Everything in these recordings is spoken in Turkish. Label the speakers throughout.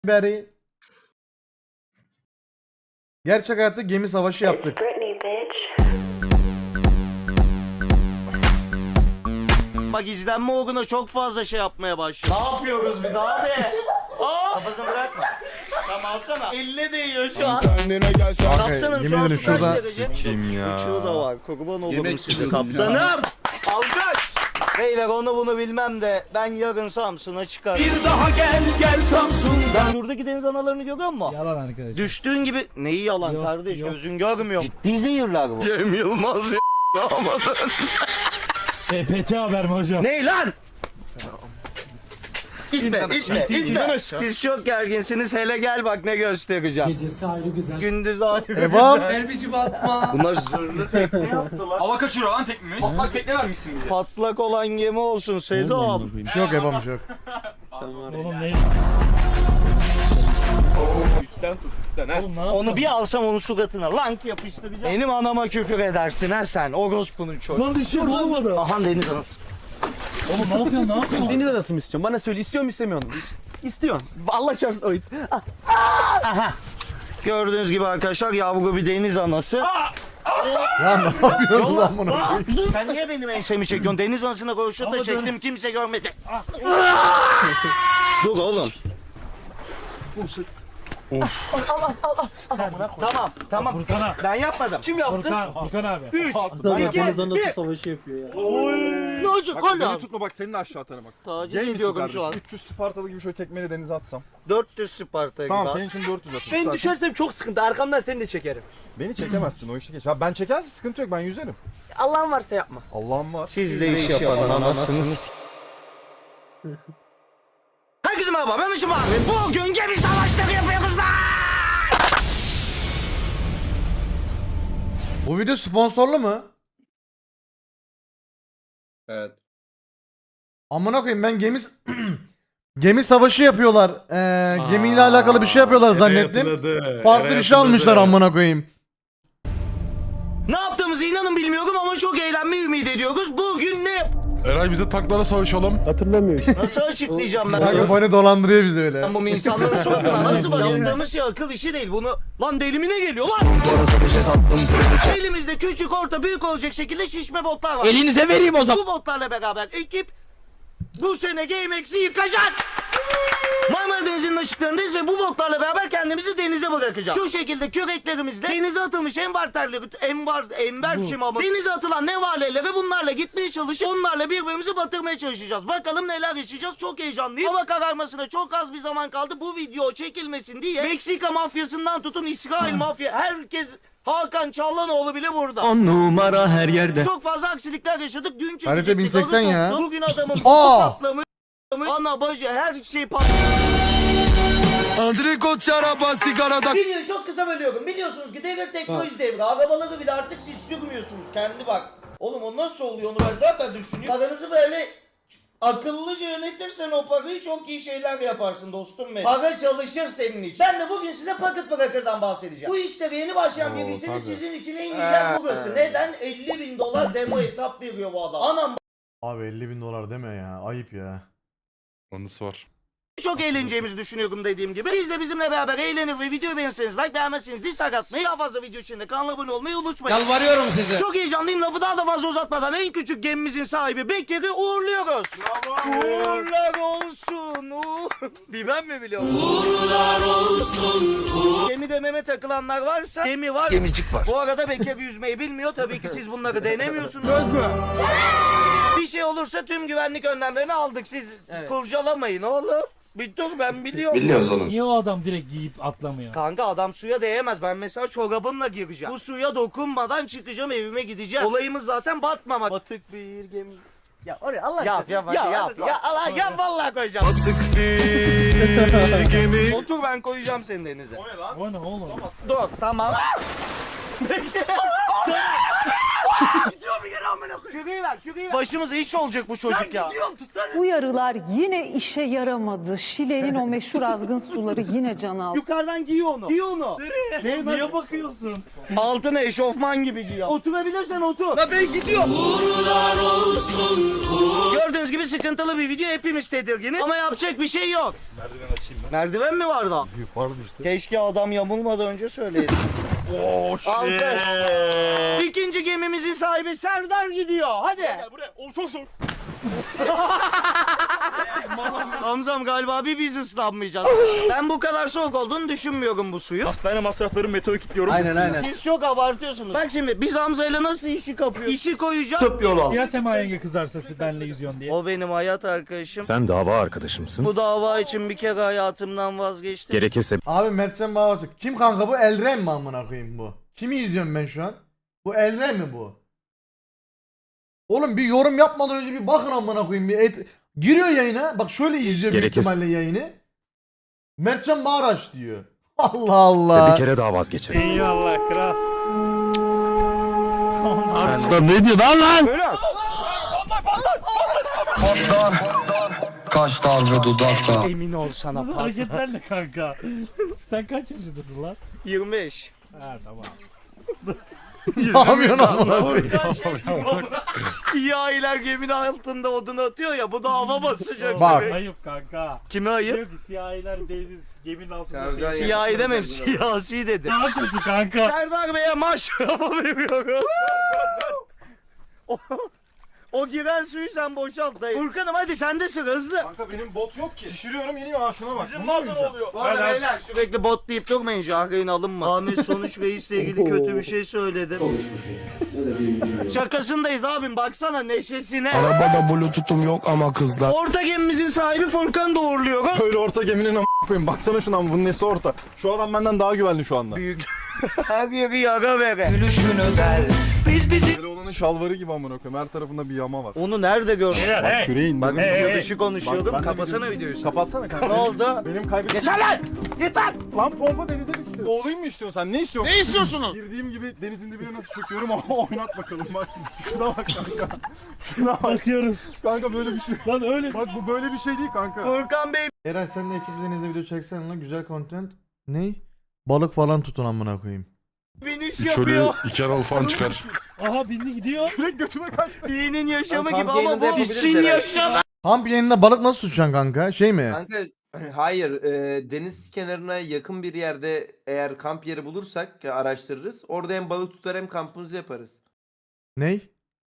Speaker 1: beri gerçek hayatta gemi savaşı yaptık.
Speaker 2: Bak izlenme oranı çok fazla şey yapmaya başlıyor. Ne yapıyoruz biz abi? Kafasını bırakma. Tamam alsana. Elle değiyor şu an. Kaptanım şu an
Speaker 1: yemin
Speaker 2: su
Speaker 1: ederim
Speaker 2: kaç
Speaker 1: şurada-
Speaker 2: derece?
Speaker 3: Kim ya?
Speaker 2: Uçuğu da var. Kurban olurum size kaptanım. Alkış. Beyler onu bunu bilmem de ben yarın Samsun'a çıkarım. Bir daha gel Samsun'dan. Şuradaki deniz analarını görüyor musun?
Speaker 4: Yalan arkadaşlar.
Speaker 2: Düştüğün gibi neyi yalan
Speaker 4: Yok,
Speaker 2: kardeş
Speaker 4: yok.
Speaker 2: gözün görmüyor. Ciddi zehirler bu. Cem Yılmaz
Speaker 4: EPT haber mi hocam?
Speaker 2: Ne lan? İtme. Siz çok gerginsiniz. Hele gel bak ne göstereceğim.
Speaker 4: Gecesi ayrı güzel.
Speaker 2: Gündüz ayrı
Speaker 1: Evam.
Speaker 4: Erbici batma.
Speaker 2: Bunlar zırhlı tekne yaptılar.
Speaker 3: Hava kaçırıyor lan teknemiz. Patlak tekne vermişsin bize.
Speaker 2: Patlak olan gemi olsun Sedo.
Speaker 1: Bir şey yok Evam, bir şey yok.
Speaker 4: Oğlum ne?
Speaker 3: Üstten tut üstten ha.
Speaker 4: Oğlum ne yapıyorsun?
Speaker 2: Onu bir alsam onun suratına lank yapıştıracağım. Benim anama küfür edersin ha sen. Orospu'nun çocuğu.
Speaker 4: Lan düşüyor oğlum adam.
Speaker 2: Aha deniz anası.
Speaker 4: Oğlum ne yapıyorsun ne yapıyorsun?
Speaker 5: Deniz arası mı istiyorsun? Bana söyle, istiyor mu istemiyor musun? İstiyorsun. Allah çarpsın oyun.
Speaker 2: Gördüğünüz gibi arkadaşlar yavru bir deniz anası.
Speaker 1: Ya ne yapıyorsun lan bunu?
Speaker 2: Sen niye benim ensemi çekiyorsun? Deniz anasına koşup da çektim kimse görmedi. Dur oğlum. Tamam.
Speaker 4: Furkan abi.
Speaker 2: Ben yapmadım. Kim yaptı?
Speaker 4: Furkan abi.
Speaker 2: 3,
Speaker 5: Deniz anası savaşı yapıyor ya.
Speaker 2: Ne olacak
Speaker 6: Bak beni
Speaker 2: oğlum?
Speaker 6: tutma bak senin aşağı atarım bak.
Speaker 2: Taciz
Speaker 6: Gay misin
Speaker 2: ediyorum
Speaker 6: kardeşim?
Speaker 2: şu an.
Speaker 6: 300 Spartalı gibi şöyle tekmeyle denize atsam.
Speaker 2: 400 Sparta gibi.
Speaker 6: Tamam
Speaker 2: abi.
Speaker 6: senin için 400 atayım.
Speaker 5: Ben
Speaker 6: Zaten
Speaker 5: düşersem çok sıkıntı. Arkamdan seni de çekerim.
Speaker 6: Beni çekemezsin o işi geç. Ha, ben çekerse sıkıntı yok ben yüzerim.
Speaker 5: Allah'ın varsa yapma.
Speaker 6: Allah'ım var.
Speaker 2: Siz de iş yapan anasınız. Herkese merhaba ben Mişim abi. Bugün gemi savaşları yapıyoruz lan.
Speaker 1: Bu video sponsorlu mu?
Speaker 6: Evet.
Speaker 1: Amına koyayım ben gemi savaşı yapıyorlar. Gemiyle alakalı bir şey yapıyorlar zannettim. Farklı bir şey almışlar amına koyayım.
Speaker 2: Ne yaptığımızı inanın bilmiyorum ama çok eğlenmeyi ümit ediyoruz. Bugün ne?
Speaker 3: Eray bize tanklara savaşalım.
Speaker 5: Hatırlamıyor işte.
Speaker 2: Nasıl açıklayacağım ben?
Speaker 1: Kanka bana dolandırıyor bizi öyle.
Speaker 2: Ben bu insanların suratına nasıl bakıyorum? Yaptığımız şey akıl işi değil. Bunu lan delimine geliyor lan. Elimizde küçük, orta, büyük olacak şekilde şişme botlar var.
Speaker 5: Elinize vereyim o zaman.
Speaker 2: Bu botlarla beraber ekip bu sene GameX'i yıkacak. Marmara Denizi'nin açıklarındayız ve bu botlarla beraber kendimizi denize bırakacağız. Şu şekilde küreklerimizle denize atılmış enver kim ama denize atılan nevaleleri bunlarla gitmeye çalışıp onlarla birbirimizi batırmaya çalışacağız. Bakalım neler yaşayacağız. Çok heyecanlıyım. Hava kararmasına çok az bir zaman kaldı. Bu video çekilmesin diye Meksika mafyasından tutun İsrail mafya herkes Hakan Çallanoğlu bile burada.
Speaker 5: 10 numara her yerde.
Speaker 2: Çok fazla aksilikler yaşadık. Dün
Speaker 1: Harita
Speaker 2: çekecektik.
Speaker 1: 1080
Speaker 2: adı
Speaker 1: ya.
Speaker 2: soktu. Bugün adamın
Speaker 1: Aa!
Speaker 2: patlamış. Ana bacı her şey patlamış.
Speaker 7: Andrikot şaraba sigarada.
Speaker 2: Videoyu çok kısa bölüyorum. Biliyorsunuz ki devir teknoloji devri. Arabaları bile artık siz sürmüyorsunuz. Kendi bak. Oğlum o nasıl oluyor onu ben zaten düşünüyorum. Paranızı böyle akıllıca yönetirsen o parayı çok iyi şeyler yaparsın dostum benim. Para çalışır senin için. Ben de bugün size Pocket Breaker'dan bahsedeceğim. Bu işte yeni başlayan birisiniz sizin için en iyi yer burası. Neden? $50.000 demo hesap veriyor bu adam. Anam
Speaker 1: Abi $50.000 deme ya. Ayıp ya.
Speaker 3: Anısı var.
Speaker 2: çok eğleneceğimizi düşünüyorum dediğim gibi. Siz de bizimle beraber eğlenir ve videoyu beğenirseniz like, beğenmezseniz dislike atmayı, daha fazla video için de kanala abone olmayı unutmayın.
Speaker 1: Yalvarıyorum size.
Speaker 2: Çok heyecanlıyım, lafı daha da fazla uzatmadan en küçük gemimizin sahibi Bekir'i uğurluyoruz. Uğurlar olsun. Bir ben mi biliyorum? Uğurlar olsun. Gemide meme takılanlar varsa gemi var.
Speaker 7: Gemicik var.
Speaker 2: Bu arada Bekir yüzmeyi bilmiyor. Tabii ki siz bunları denemiyorsunuz. Bir şey olursa tüm güvenlik önlemlerini aldık. Siz kurcalamayın oğlum. Bir dur ben biliyorum.
Speaker 4: Niye o adam direkt giyip atlamıyor?
Speaker 2: Kanka adam suya değemez. Ben mesela çorabımla gireceğim. Bu suya dokunmadan çıkacağım evime gideceğim. Olayımız zaten batmamak. Batık bir gemi.
Speaker 5: Ya oraya Allah
Speaker 2: Yap hadi yap. Ya Allah yap vallahi koyacağım.
Speaker 7: Batık bir gemi.
Speaker 2: Otur ben koyacağım seni denize.
Speaker 4: O ne oğlum?
Speaker 2: Dur tamam. Gidiyor bir yere amına koyayım. Küreği ver, küreği ver. Başımıza iş olacak bu çocuk ya. Gidiyorum tutsana.
Speaker 8: Uyarılar yine işe yaramadı. Şile'nin o meşhur azgın suları yine can aldı.
Speaker 2: Yukarıdan giy onu. Giy onu. Nereye?
Speaker 4: Niye bakıyorsun?
Speaker 2: Altına eşofman gibi giy. Oturabilirsen otur. La ben gidiyorum. Gördüğünüz gibi sıkıntılı bir video. Hepimiz tedirginiz. Ama yapacak bir şey yok. Merdiven açayım ben. Merdiven mi var da?
Speaker 6: Vardı işte.
Speaker 2: Keşke adam yamulmadan önce söyleydi. Alkış. İkinci gemimizin sahibi Serdar gidiyor. Hadi.
Speaker 3: Buraya. O çok zor.
Speaker 2: Hamzam galiba bir biz ıslanmayacağız. Ben bu kadar soğuk olduğunu düşünmüyorum bu suyu.
Speaker 3: Hastane masrafları meteor kilitliyorum.
Speaker 5: Aynen.
Speaker 2: Siz çok abartıyorsunuz. Bak şimdi biz Hamza'yla nasıl işi kapıyoruz? İşi koyacağız. Tıp yol al.
Speaker 4: Ya Sema yenge kızarsa benle yüzüyorsun diye.
Speaker 2: O benim hayat arkadaşım.
Speaker 7: Sen dava arkadaşımsın.
Speaker 2: Bu dava için bir kere hayatımdan vazgeçtim.
Speaker 7: Gerekirse
Speaker 1: Abi Mertcan Bağırcık. Kim kanka bu? Elren mi amına koyayım bu? Kimi izliyorum ben şu an? Bu Elren mi bu? Oğlum bir yorum yapmadan önce bir bakın amına koyayım. Giriyor yayına. Bak şöyle izliyor büyük
Speaker 7: Gerekirse-
Speaker 1: ihtimalle yayını. Mertcan Bağıraç diyor. Allah Allah.
Speaker 7: bir kere daha vazgeçerim.
Speaker 4: Eyvallah kral.
Speaker 7: Ne diyor lan? Kaşlar ve dudaklar.
Speaker 2: Emin ol sana
Speaker 4: Nasıl
Speaker 2: pardon.
Speaker 4: hareketler ne kanka? Sen kaç yaşındasın lan?
Speaker 2: 25.
Speaker 4: Ha tamam.
Speaker 1: Ne yapıyorsun amına koyayım?
Speaker 2: Siyahiler geminin altında odun atıyor ya, bu da hava basacak.
Speaker 1: Bak.
Speaker 2: seni.
Speaker 4: Ayıp kanka.
Speaker 2: Kime ayıp?
Speaker 4: Diyor ki siyahiler deniz geminin altında.
Speaker 2: Siyahi demem, siyasi dedi.
Speaker 4: Daha kötü kanka.
Speaker 2: Serdar Bey'e maşrafı veriyoruz. O giren suyu sen boşalt dayı. Furkan'ım hadi sende sıra hızlı.
Speaker 6: Kanka benim bot yok ki. Şişiriyorum iniyor ha şuna bak.
Speaker 3: Bizim malda ne oluyor?
Speaker 2: Bu arada beyler sürekli bot deyip durmayın, Jahreyn alınma. Ahmet Sonuç Reis'le ilgili kötü bir şey söyledi. Şakasındayız abim, baksana neşesine.
Speaker 7: Arabada bluetooth'um yok ama kızlar.
Speaker 2: Orta gemimizin sahibi Furkan'ı doğurluyor.
Speaker 6: Böyle orta geminin koyayım. Baksana şuna, bunun nesi orta. Şu adam benden daha güvenli şu anda.
Speaker 2: Büyük. Her yeri yara vere.
Speaker 6: Böyle olanın şalvarı gibi amına koyayım. Her tarafında bir yama var.
Speaker 2: Onu nerede gördün?
Speaker 6: Bak küreğin.
Speaker 2: Bak
Speaker 6: Bak,
Speaker 2: dışı konuşuyordum.
Speaker 6: ben de
Speaker 2: Kapatsana
Speaker 6: videoyu-
Speaker 2: videoyu sen.
Speaker 6: Kapatsana kanka.
Speaker 2: Ne oldu?
Speaker 6: Benim kaybettiğim...
Speaker 2: Yeter lan! Yeter!
Speaker 6: Lan pompa denize düştü. Boğulayım mı istiyorsun sen? Ne istiyorsun? Ne istiyorsunuz? Girdiğim gibi denizin dibine nasıl çöküyorum oynat bakalım bak. Şuna bak kanka. Şuna bak.
Speaker 4: Bakıyoruz.
Speaker 6: Kanka böyle bir şey.
Speaker 4: Lan öyle.
Speaker 6: Bak bu böyle bir şey değil kanka.
Speaker 2: Furkan Bey
Speaker 1: Eren sen de ekibinizle video çeksen lan, güzel content. Ney? Balık falan tutun amına koyayım.
Speaker 2: finish
Speaker 3: Bir çölü
Speaker 2: yapıyor.
Speaker 3: 2 Erol falan çıkar.
Speaker 4: Aha bindi gidiyor.
Speaker 6: Kürek götüme kaçtı.
Speaker 2: Birinin yaşamı
Speaker 5: Kamp
Speaker 2: gibi ama
Speaker 5: yayınında
Speaker 2: bu
Speaker 5: yapabiliriz
Speaker 2: için
Speaker 5: herhalde.
Speaker 2: yaşam.
Speaker 1: Kamp yayınında balık nasıl tutacaksın kanka? Şey mi?
Speaker 5: Kanka hayır, deniz kenarına yakın bir yerde eğer kamp yeri bulursak araştırırız. Orada hem balık tutar hem kampımızı yaparız.
Speaker 1: Ney?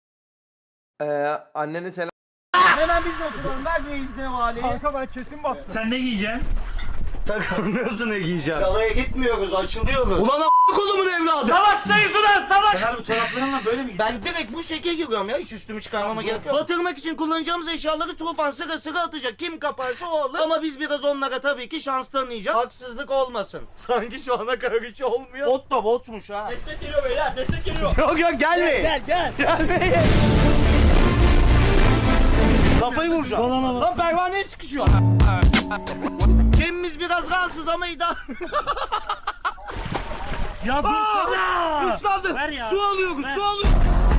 Speaker 5: Annene selam.
Speaker 2: Hemen biz de açılalım. Ver reis ne vali.
Speaker 6: Kanka ben kesin battım.
Speaker 4: Sen ne giyeceksin?
Speaker 2: Takılmıyorsun ne giyeceğim. Galaya gitmiyoruz, açılıyoruz. Ulan a**a kolumun evladı. Savaştayız ulan savaş.
Speaker 4: Sen harbi çoraplarınla böyle mi gidiyorsun?
Speaker 2: Ben direkt bu şekil giriyorum ya, hiç üstümü çıkarmama gerek yok. Batırmak için kullanacağımız eşyaları Tufan sıra sıra atacak. Kim kaparsa o alır. Ama biz biraz onlara tabii ki şans tanıyacağız. Haksızlık olmasın. Sanki şu ana kadar hiç olmuyor. Bot da botmuş ha.
Speaker 3: Destek geliyor beyler, destek geliyor.
Speaker 2: Yok gelmeyin. Gel. Gelmeyin. Kafayı vuracağım. Lan pervaneye sıkışıyor. Gemimiz biraz rahatsız ama idare.
Speaker 4: Ya dursana.
Speaker 2: Islandı.
Speaker 4: Ver ya.
Speaker 2: Su alıyoruz,
Speaker 4: Ver.
Speaker 2: su alıyoruz.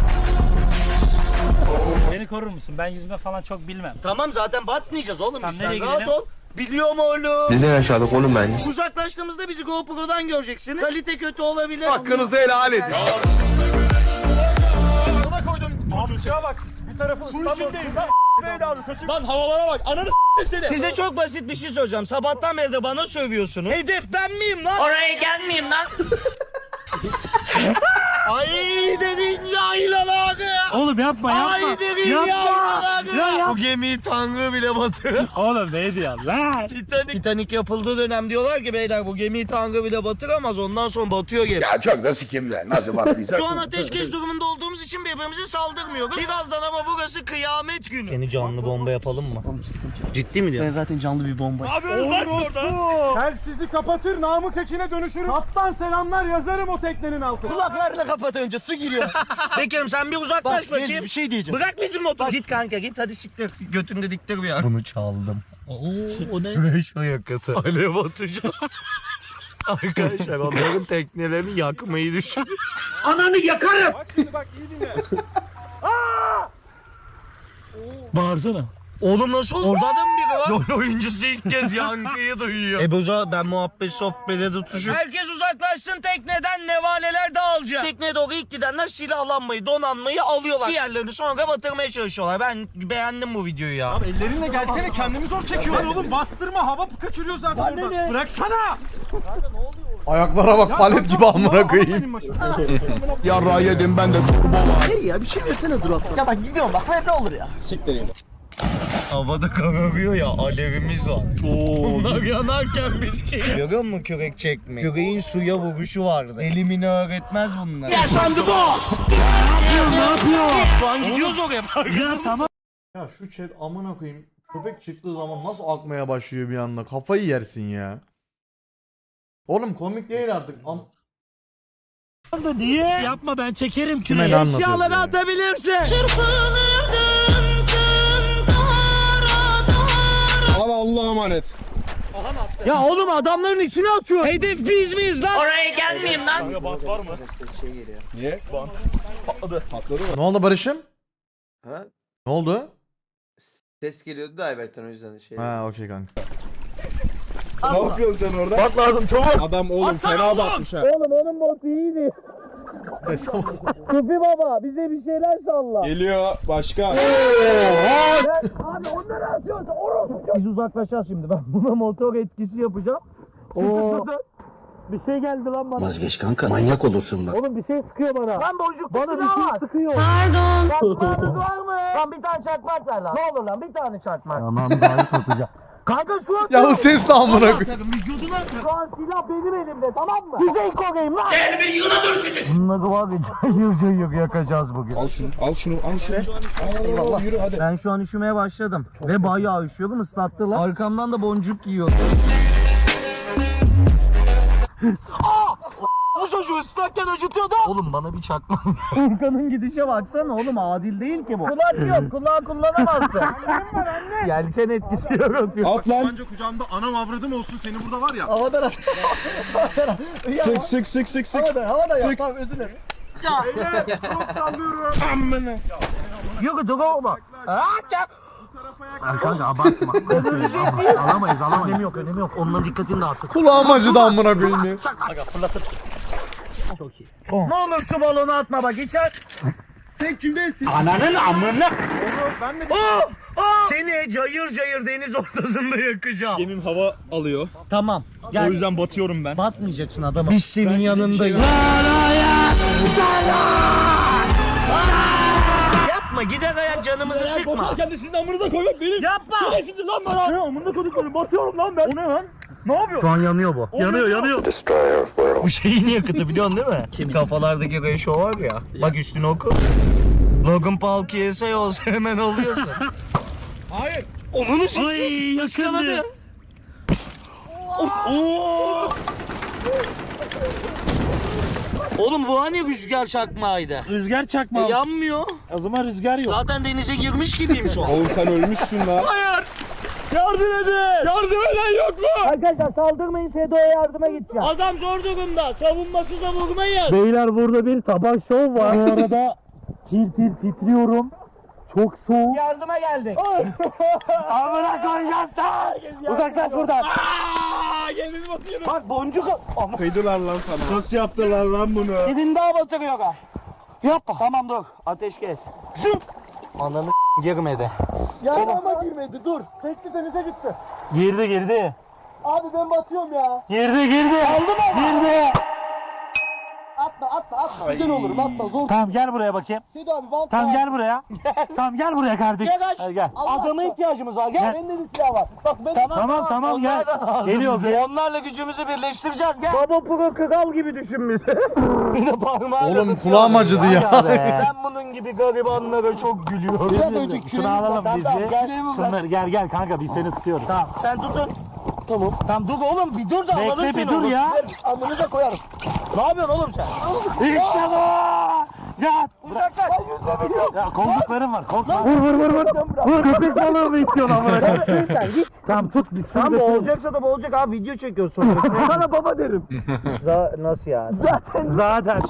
Speaker 4: Beni korur musun? Ben yüzme falan çok bilmem.
Speaker 2: Tamam zaten batmayacağız oğlum.
Speaker 4: Tamam,
Speaker 2: Biz sen
Speaker 4: nereye
Speaker 2: rahat
Speaker 4: gidelim?
Speaker 2: ol. Biliyorum oğlum.
Speaker 7: Neden yaşadık oğlum ben?
Speaker 2: Uzaklaştığımızda bizi GoPro'dan göreceksiniz. Kalite kötü olabilir.
Speaker 5: Hakkınızı helal edin.
Speaker 3: Sana koydum çocuğu.
Speaker 6: Şuna bak. Bir tarafı ıslanmadı.
Speaker 3: Lan havalara bak, ananı seni.
Speaker 2: Size çok basit bir şey söyleyeceğim. Sabahtan beri de bana sövüyorsunuz. Hedef ben miyim lan?
Speaker 4: Oraya gelmeyeyim lan.
Speaker 2: Ay dedin yaylaları.
Speaker 4: Oğlum yapma
Speaker 2: Ay dedin yaylaları.
Speaker 4: Ya
Speaker 2: Bu gemiyi Tanrı bile batırır.
Speaker 4: Oğlum ne diyorsun lan?
Speaker 2: Titanic yapıldığı dönem diyorlar ki beyler bu gemiyi Tanrı bile batıramaz, ondan sonra batıyor gemi.
Speaker 7: Ya çok da sikimler. Nasıl battıysa.
Speaker 2: Şu an ateşkes durumunda olduğumuz için birbirimize saldırmıyoruz. Birazdan ama burası kıyamet günü. Seni canlı bomba yapalım mı? Ciddi mi diyor? Ben zaten canlı bir bomba.
Speaker 3: Abi lan orada.
Speaker 6: Tel sizi kapatır, Namık Ekin'e dönüşürüm. Kaptan selamlar yazarım o teknenin altına.
Speaker 2: Kulaklarla kapat önce, su giriyor. Bekir'im sen bir uzaklaş bakayım. Bir şey diyeceğim. Bırak bizim motoru. Git kanka git, hadi siktir. Götümde diktir bir yer. Bunu çaldım. Oo o ne? Beş yakıtı. Alev atacağım. Arkadaşlar onların teknelerini yakmayı düşün.
Speaker 6: Bak şimdi bak iyi dinle.
Speaker 4: Bağırsana.
Speaker 2: Oğlum nasıl oldu? Orada da mı biri var? LoL oyuncusu ilk kez yankıyı duyuyor. Boza ben muhabbet sohbete tutuşup. Herkes uzaklaşsın tekneden, nevaleler dağılacak. Tekneye doğru ilk gidenler silahlanmayı, donanmayı alıyorlar. Diğerlerini sonra batırmaya çalışıyorlar. Ben beğendim bu videoyu ya.
Speaker 6: Abi ellerinle gelsene kendimi zor çekiyorum. Oğlum bastırma hava kaçırıyor zaten orada. Bıraksana.
Speaker 1: Ayaklara bak palet gibi amına koyayım.
Speaker 7: Yarra yedim ben de turbo var.
Speaker 2: Ya bak gidiyorum bak ne olur ya. Havada kararıyor ya, alevimiz var. Bunlar yanarken biz ki. Görüyor musun kürek çekmeyi? Küreğin suya vuruşu vardı. Elimini öğretmez bunlar. Ya sandı bu! Ne yapıyor? Şu an gidiyoruz oraya.
Speaker 4: Ya tamam.
Speaker 1: Ya şu chat amına koyayım. Köpek çıktığı zaman nasıl akmaya başlıyor bir anda. Kafayı yersin ya. Oğlum komik değil artık.
Speaker 4: Niye? Yapma ben çekerim
Speaker 1: Kime ne
Speaker 4: küreği.
Speaker 1: anlatıyorsun
Speaker 2: Eşyaları
Speaker 1: ya?
Speaker 2: atabilirsin.
Speaker 6: Abi Allah'a emanet.
Speaker 2: Ya oğlum adamların içine atıyor. Hedef biz miyiz lan?
Speaker 4: Oraya gelmeyeyim lan.
Speaker 3: Bant var mı?
Speaker 6: Niye? Patladı mı?
Speaker 1: Ne oldu Barış'ım?
Speaker 5: Ha?
Speaker 1: Ne oldu?
Speaker 5: Ses geliyordu da Ayberk'ten o yüzden şey.
Speaker 1: Ha okey kanka.
Speaker 6: Ne yapıyorsun sen orada?
Speaker 2: Bak lazım çabuk.
Speaker 6: Adam oğlum fena batmış ha.
Speaker 2: Oğlum onun botu iyiydi. Kufi baba bize bir şeyler salla.
Speaker 6: Geliyor başka.
Speaker 2: Abi onları atıyoruz. Biz uzaklaşacağız şimdi. Ben buna motor etkisi yapacağım. Oo. Bir şey geldi lan bana.
Speaker 7: Vazgeç kanka manyak olursun bak.
Speaker 2: Oğlum bir şey sıkıyor bana. Lan boncuk bana bir şey sıkıyor. Pardon. Çakmağınız var mı? Lan bir tane çakmak ver lan. Ne olur lan bir tane çakmak. Tamam daha satacağım. Kanka şu an
Speaker 1: Ya bu ses de amına koyayım.
Speaker 2: vücuduna şu an silah benim elimde tamam mı? Kuzey Kore'yim lan. Gel bir yığına dönüşeceksin. Bunları var ya cayır yakacağız bugün.
Speaker 6: Al şunu al şunu al şunu. Eyvallah yürü hadi.
Speaker 2: Ben şu an üşümeye başladım. Ve bayağı üşüyorum ıslattılar. Arkamdan da boncuk yiyor. O çocuğu ıslakken acıtıyordu. Oğlum bana bir çakma. Furkan'ın gidişe baksana oğlum adil değil ki bu. Kulak yok kulağı kullanamazsın. Yelken etkisi yaratıyor.
Speaker 6: At lan. Bence kucağımda anam avradım olsun seni burada var ya. Havadan at. Sık sık sık sık sık. Havadan yap tamam özür dilerim.
Speaker 2: Ya.
Speaker 6: Çok sallıyorum. Amına.
Speaker 2: Yok dur olma. Kanka abartma. Alamayız. Önemi yok. Onunla dikkatini dağıttık.
Speaker 1: Kulağım acıdı amına koyayım ya.
Speaker 4: Aga fırlatırsın. Çok iyi.
Speaker 2: Ne olur su balonu atma bak içer.
Speaker 6: Sen kimdensin?
Speaker 4: Ananın amına.
Speaker 6: Ben de
Speaker 2: Seni cayır cayır deniz ortasında yakacağım.
Speaker 3: Gemim hava alıyor.
Speaker 2: Tamam. Gel.
Speaker 3: O yüzden batıyorum ben.
Speaker 2: Batmayacaksın adama. Biz senin yanındayız. Yapma gider ayak canımızı sıkma.
Speaker 3: Kendi sizin amınıza koymak benim.
Speaker 2: Yapma.
Speaker 3: Şerefsizdir lan bana. Ne amına koyduklarım batıyorum lan ben. O ne lan? Ne yapıyor?
Speaker 2: Şu an yanıyor bu.
Speaker 3: Yanıyor.
Speaker 2: Bu şeyin yakıtı biliyorsun değil mi? Kim? Kafalardaki ratio var ya. Bak üstüne oku. Logan Paul KSA olsa hemen oluyorsun.
Speaker 6: Hayır.
Speaker 2: Onun için
Speaker 4: Ay yakaladı.
Speaker 2: Oğlum bu hani rüzgar çakmağıydı.
Speaker 4: Rüzgar çakma.
Speaker 2: Yanmıyor.
Speaker 4: O zaman rüzgar yok.
Speaker 2: Zaten denize girmiş gibiyim şu an.
Speaker 6: Oğlum sen ölmüşsün lan.
Speaker 3: Hayır. Yardım edin. Yardım eden yok mu?
Speaker 2: Arkadaşlar saldırmayın Sedo'ya yardıma gideceğim. Adam zor durumda. Savunmasız vurmayın. Beyler burada bir sabah şov var. Bu arada tir titriyorum. Çok soğuk. Yardıma geldik. Amına koyacağız da. Uzaklaş buradan.
Speaker 3: Gemim batıyor.
Speaker 2: Bak boncuk.
Speaker 6: Kıydılar lan sana. Nasıl yaptılar lan bunu?
Speaker 2: Gidin daha batırıyor ha. Yapma. Tamam dur. Ateş kes. Zıp. Ananı girmedi.
Speaker 6: Yani ama girmedi dur. Tekli denize gitti.
Speaker 2: Girdi.
Speaker 6: Abi ben batıyorum ya.
Speaker 2: Girdi. Aldı mı? Girdi.
Speaker 6: Atma. Giden olurum atma zor.
Speaker 4: Tamam gel buraya bakayım.
Speaker 6: Sedo abi bant
Speaker 4: Tamam
Speaker 6: var.
Speaker 4: gel buraya. Tamam gel buraya kardeş.
Speaker 2: Gel
Speaker 4: Gel.
Speaker 2: Adama ihtiyacımız var. Gel.
Speaker 4: Gel.
Speaker 6: Bende de silah var. Bak ben
Speaker 4: Tamam gel. Geliyoruz.
Speaker 2: Onlarla gücümüzü birleştireceğiz gel. Baba pro kral gibi düşün bizi. Bir de parmağıyla
Speaker 1: Oğlum
Speaker 2: tutuyor.
Speaker 1: kulağım acıdı ya.
Speaker 2: Ben bunun gibi garibanlara çok gülüyorum.
Speaker 6: Biraz önce
Speaker 4: Şunu alalım biz bir.
Speaker 2: Gel.
Speaker 4: Şunları gel kanka biz seni tutuyoruz.
Speaker 2: Tamam sen tutun. Tamam. Tamam dur oğlum bir dur da
Speaker 4: Bekle,
Speaker 2: alalım
Speaker 4: bir
Speaker 2: seni
Speaker 4: dur
Speaker 2: oğlum.
Speaker 4: ya.
Speaker 2: Ver, amınıza koyarım. Ne yapıyorsun oğlum sen?
Speaker 4: İşte bu. Ya
Speaker 2: Uzaklaş.
Speaker 4: ya kolluklarım var. Korkma. Vur. Köpek balığı mı istiyorsun amına koyayım? Tamam tut bir sürü.
Speaker 2: Tamam olacaksa da olacak abi, video çekiyoruz sonra. Sana baba derim. Nasıl yani?
Speaker 4: Zaten.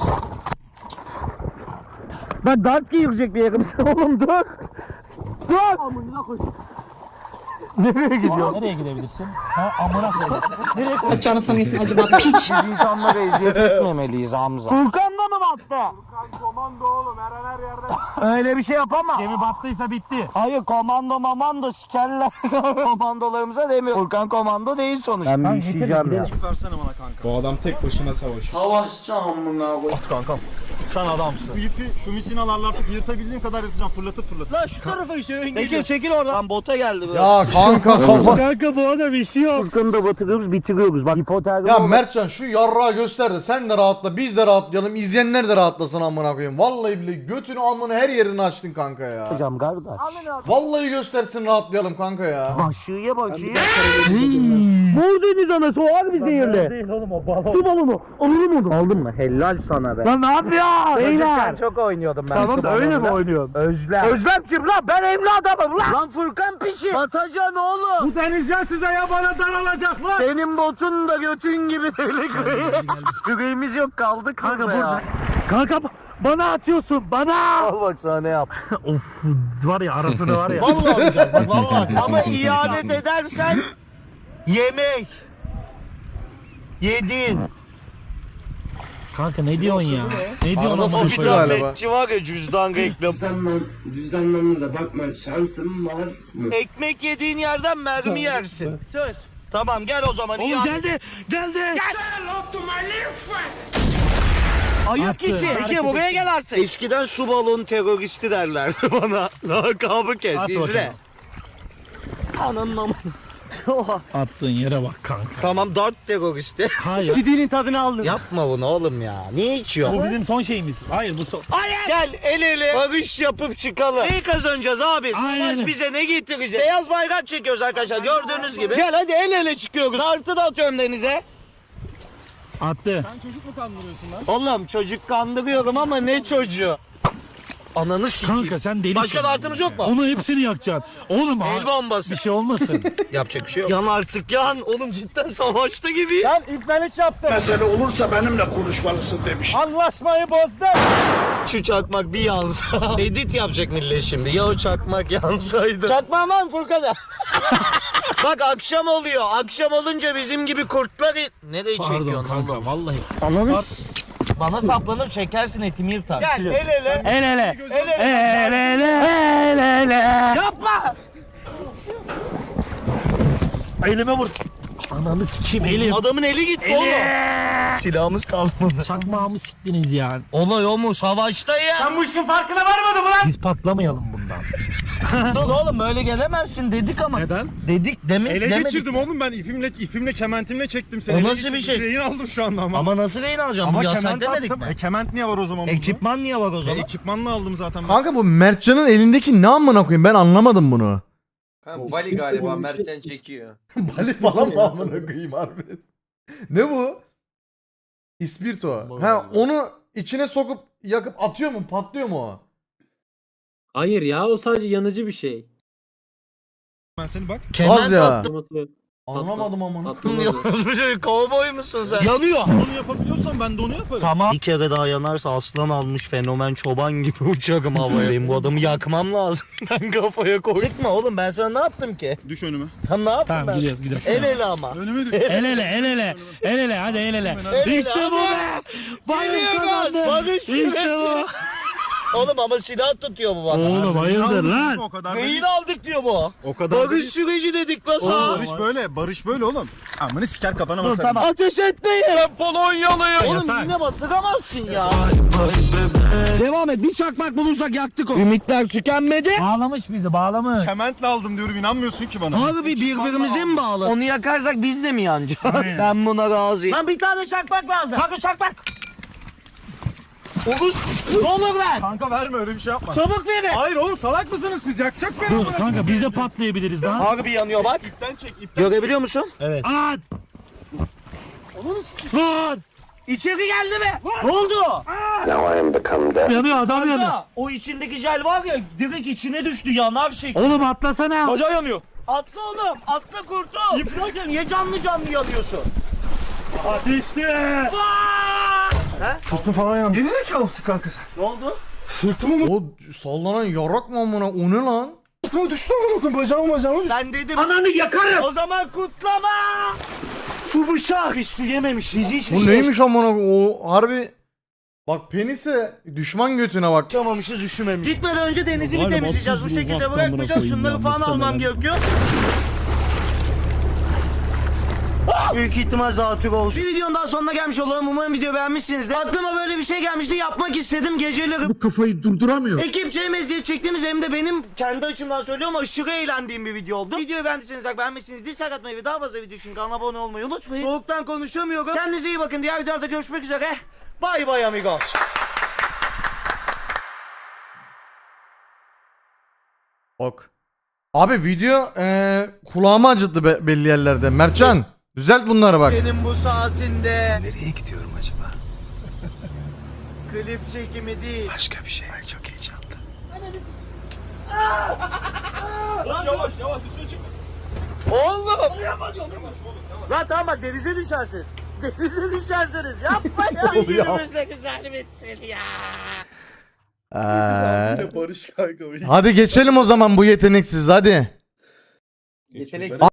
Speaker 2: Ben dart giyilecek bir yerim. Oğlum dur. Dur. Amına koy.
Speaker 4: Nereye gidiyorsun? Nereye gidebilirsin? Ha amına koyayım. Nereye koy?
Speaker 8: Kaçağını sanıyorsun acaba piç.
Speaker 2: Biz insanlara eziyet etmemeliyiz Hamza. Furkan da mı battı?
Speaker 6: Furkan komando oğlum, her an her yerde.
Speaker 2: Öyle bir şey yapamam.
Speaker 4: Gemi battıysa bitti.
Speaker 2: Hayır, komando mamando sikerler. Komandolarımıza demiyor. Furkan komando değil sonuçta. Ben bir işeyeceğim ya.
Speaker 6: Versene bana kanka.
Speaker 7: Bu adam tek başına savaşıyor.
Speaker 2: Savaşacağım buna koy.
Speaker 6: At kankam. Sen adamsın. Bu ipi şu misinalarla artık yırtabildiğim kadar yırtacağım, fırlatıp.
Speaker 2: Lan şu tarafa işte. Çekil oradan. Lan bota geldi biraz.
Speaker 1: Ya kanka kafa.
Speaker 4: Kanka bu arada bir şey yok.
Speaker 2: Furkan'ı da batırıyoruz, bitiriyoruz. Bak hipotermi
Speaker 1: Ya Mertcan şu yarrağı göster de sen de rahatla, biz de rahatlayalım, izleyenler de rahatlasın amına koyayım. Vallahi bile götünü amını her yerini açtın kanka ya.
Speaker 2: yapacağım kardeş.
Speaker 1: Vallahi göstersin, rahatlayalım kanka ya.
Speaker 2: Başıya bakayım. Mor deniz anası o harbi zehirli.
Speaker 4: Değil oğlum o balon.
Speaker 2: Su balonu. Alırım onu. Aldın mı? Helal sana be.
Speaker 4: Lan ne yapıyorsun?
Speaker 2: Beyler. Çok oynuyordum ben.
Speaker 4: Tamam da öyle mi oynuyorsun?
Speaker 2: Özlem. Özlem kim lan? Ben evli adamım lan. Lan Furkan piçi. Batacan oğlum.
Speaker 6: Bu deniz ya size ya bana daralacak lan.
Speaker 2: Senin botun da götün gibi delik. Yüreğimiz yok, kaldık
Speaker 4: Kanka
Speaker 2: burada ya.
Speaker 4: burada. Kanka bana atıyorsun bana.
Speaker 2: Al bak sana ne yap.
Speaker 4: Of var ya arasını var ya.
Speaker 2: Vallahi alacağım bak vallahi. Ama ihanet edersen yemek. Yedin.
Speaker 4: Kanka ne diyorsun ya? Ne diyorsun
Speaker 1: Arada
Speaker 4: amına
Speaker 1: sıçtı
Speaker 4: koyayım?
Speaker 1: galiba.
Speaker 2: Bekçi var ya, cüzdan reklam.
Speaker 7: Cüzdanlarınıza bakma, şansım var mı?
Speaker 2: Ekmek yediğin yerden mermi yersin. Söz. Tamam gel o zaman.
Speaker 4: Oğlum geldi.
Speaker 2: Ayıp
Speaker 4: Attı.
Speaker 2: geçi. Peki buraya gel artık. Eskiden su balon teröristi derlerdi bana. Lakabı kes.
Speaker 4: At
Speaker 2: İzle.
Speaker 4: bakalım.
Speaker 2: Ananın amına. Oha.
Speaker 4: Attığın yere bak kanka.
Speaker 2: Tamam, dart teröristi.
Speaker 4: Hayır.
Speaker 2: Cidinin tadını aldın. Yapma bunu oğlum ya. Niye içiyorsun?
Speaker 4: Bu bizim son şeyimiz. Hayır bu son.
Speaker 2: Hayır. Gel el ele barış yapıp çıkalım. Neyi kazanacağız abi?
Speaker 4: Aynen.
Speaker 2: Savaş bize ne getirecek? Beyaz bayrak çekiyoruz arkadaşlar gördüğünüz gibi. Gel hadi el ele çıkıyoruz. Dartı da atıyorum denize.
Speaker 4: Attı.
Speaker 6: Sen çocuk mu kandırıyorsun lan?
Speaker 2: Oğlum çocuk kandırıyorum ama ne çocuğu? Ananı sikeyim.
Speaker 4: Kanka sen delisin.
Speaker 2: Başka dartımız yok mu?
Speaker 4: Onu hepsini yakacaksın. Oğlum
Speaker 2: El bombası.
Speaker 4: bir şey olmasın.
Speaker 2: Yapacak bir şey yok. Yan artık yan. Oğlum cidden savaşta gibi. Yan iplenik yaptım.
Speaker 7: Mesele olursa benimle konuşmalısın demiş.
Speaker 2: Anlaşmayı bozdum. Şu çakmak bir yansa. Edit yapacak millet şimdi. Ya o çakmak yansaydı. Çakmağım var mı Furkan'a? Bak akşam oluyor. Akşam olunca bizim gibi kurtlar... Nereye
Speaker 4: Pardon
Speaker 2: çekiyorsun
Speaker 4: kanka
Speaker 2: oğlum?
Speaker 4: vallahi.
Speaker 2: Ananı... Bana saplanır çekersin, etimi yırtar. Gel el ele.
Speaker 4: El ele.
Speaker 2: El ele.
Speaker 4: El ele. El ele.
Speaker 2: Yapma.
Speaker 4: Elime vur. Ananı sikeyim elim.
Speaker 2: Adamın eli gitti oğlum. Silahımız kalmadı.
Speaker 4: Sakmağımı siktiniz ya.
Speaker 2: Olay o mu? Savaşta ya.
Speaker 4: Sen bu işin farkına varmadın mı lan? Biz patlamayalım bundan.
Speaker 2: Dur oğlum böyle gelemezsin dedik ama.
Speaker 6: Neden?
Speaker 2: Dedik demek
Speaker 6: Ele
Speaker 2: demedik.
Speaker 6: geçirdim oğlum, ben ipimle kementimle çektim seni.
Speaker 2: O
Speaker 6: Ele
Speaker 2: nasıl bir
Speaker 6: geçirdim,
Speaker 2: şey?
Speaker 6: Rehin aldım şu anda ama.
Speaker 2: Ama nasıl rehin alacağım? Bu yasak
Speaker 6: kement
Speaker 2: demedik
Speaker 6: attım.
Speaker 2: mi?
Speaker 6: Kement niye var o zaman burada?
Speaker 2: Ekipman niye var o zaman?
Speaker 6: Ekipmanla aldım zaten.
Speaker 1: Kanka bu Mertcan'ın elindeki ne amına koyayım, ben anlamadım bunu.
Speaker 5: Kanka Bali galiba Mertcan çekiyor.
Speaker 1: Bali falan mı amına koyayım harbi? Ne bu? İspirto. Ha onu içine sokup yakıp atıyor mu, patlıyor mu o?
Speaker 3: Hayır ya, o sadece yanıcı bir şey.
Speaker 6: Ben seni bak.
Speaker 1: Gaz ya.
Speaker 3: Atlaması.
Speaker 1: Anlamadım amına.
Speaker 3: Atlaması.
Speaker 2: Kovboy musun sen? Yanıyor.
Speaker 6: Onu yapabiliyorsan ben de onu yaparım.
Speaker 2: Tamam. Bir kere daha yanarsa aslan almış fenomen çoban gibi uçarım havaya. Benim bu adamı yakmam lazım. Ben kafaya koy. Çıkma oğlum, ben sana ne yaptım ki?
Speaker 6: Düş önüme.
Speaker 2: Tam ne yaptım
Speaker 4: Tamam
Speaker 2: ben?
Speaker 4: gidiyoruz.
Speaker 2: El ele ama.
Speaker 6: Önüme düş.
Speaker 4: El ele el ele. El ele hadi el ele.
Speaker 2: ele,
Speaker 4: İşte bu
Speaker 2: hadi.
Speaker 4: be. Barış
Speaker 2: Geliyoruz,
Speaker 4: kazandı.
Speaker 2: barış
Speaker 4: İşte
Speaker 2: süreci.
Speaker 4: bu.
Speaker 2: Oğlum ama silah tutuyor bu bana.
Speaker 4: Oğlum hayırdır lan?
Speaker 6: O kadar
Speaker 2: Rehin
Speaker 6: da
Speaker 2: aldık diyor bu.
Speaker 6: O kadar da
Speaker 2: Barış süreci dedik lan
Speaker 6: Oğlum
Speaker 2: sana.
Speaker 6: barış böyle, barış böyle oğlum. Amını siker kafana
Speaker 4: Dur
Speaker 6: basarım.
Speaker 4: tamam.
Speaker 2: Ateş etmeyin. Ben Polonyalıyım. Oğlum
Speaker 4: Yasak.
Speaker 2: yine batıramazsın ya. Devam et. Bir çakmak bulursak yaktık o. Ümitler tükenmedi.
Speaker 4: Bağlamış bizi bağlamış.
Speaker 6: Kementle aldım diyorum, inanmıyorsun ki bana.
Speaker 2: Abi bir birbirimize mi bağlı? Onu yakarsak biz de mi yanacağız?
Speaker 4: Aynen.
Speaker 2: Ben buna razıyım. Lan bir tane çakmak lazım. Kanka çakmak. Oğuz ne olur ver.
Speaker 6: Kanka verme, öyle bir şey yapma.
Speaker 2: Çabuk verin.
Speaker 6: Hayır oğlum, salak mısınız siz? Yakacak beni.
Speaker 4: Dur kanka biz de patlayabiliriz lan.
Speaker 2: Harbi yanıyor bak.
Speaker 6: İpten çek, ipten.
Speaker 2: Görebiliyor musun?
Speaker 4: Evet. At. Lan.
Speaker 2: İçeri geldi mi? Ne oldu?
Speaker 4: Yanıyor adam yanıyor.
Speaker 2: Kanka, o içindeki jel var ya direkt içine düştü yanar şekli.
Speaker 4: Oğlum atlasana.
Speaker 3: Bacağı yanıyor.
Speaker 2: Atla oğlum atla kurtul. Niye canlı canlı yanıyorsun?
Speaker 3: Ateşli.
Speaker 6: Sırtım falan yandı. Gerizekalı mısın kanka sen?
Speaker 2: Ne oldu?
Speaker 6: Sırtıma
Speaker 1: O sallanan yarak mı amına? O ne lan?
Speaker 6: düştü amına koyayım. Bacağıma düştü.
Speaker 2: Ben dedim. Ananı yakarım. O zaman kutlama. Su bıçak. Hiç su yememişiz hiçbir
Speaker 1: Bu
Speaker 2: şey
Speaker 1: neymiş amına? O harbi bak penise düşman götüne bak.
Speaker 2: yaşamamışız üşümemişiz. Gitmeden önce denizi bir temizleyeceğiz. Bu şekilde bırakmayacağız. Şunları falan almam gerekiyor. Büyük ihtimal zatürre olmuş. Bir videonun daha sonuna gelmiş olalım. Umarım video beğenmişsinizdir. Aklıma böyle bir şey gelmişti. Yapmak istedim. Geceleri
Speaker 7: Bu kafayı durduramıyor.
Speaker 2: ekipçe hem eziyet çektiğimiz hem de benim kendi açımdan söylüyorum aşırı eğlendiğim bir video oldu. Videoyu beğendiyseniz beğenmişsiniz. Dislike atmayı ve daha fazla video için kanala abone olmayı unutmayın. Soğuktan konuşamıyorum. Kendinize iyi bakın. Diğer videolarda görüşmek üzere. Bay bay amigos.
Speaker 1: Bak. Abi video kulağımı acıttı belli yerlerde. Mertcan düzelt bunları bak.
Speaker 2: Senin bu saatinde
Speaker 7: Nereye gidiyorum acaba?
Speaker 2: klip çekimi değil.
Speaker 7: Başka bir şey. Ay çok heyecanlı.
Speaker 3: Yavaş yavaş üstüne çık.
Speaker 2: Oğlum. Lan tamam bak denize düşersiniz. Denize düşersiniz. Yapma ya. Günümüzde güzel bitsin ya.
Speaker 6: Barış kanka.
Speaker 1: Hadi geçelim o zaman bu yeteneksiz hadi.
Speaker 5: Yetenek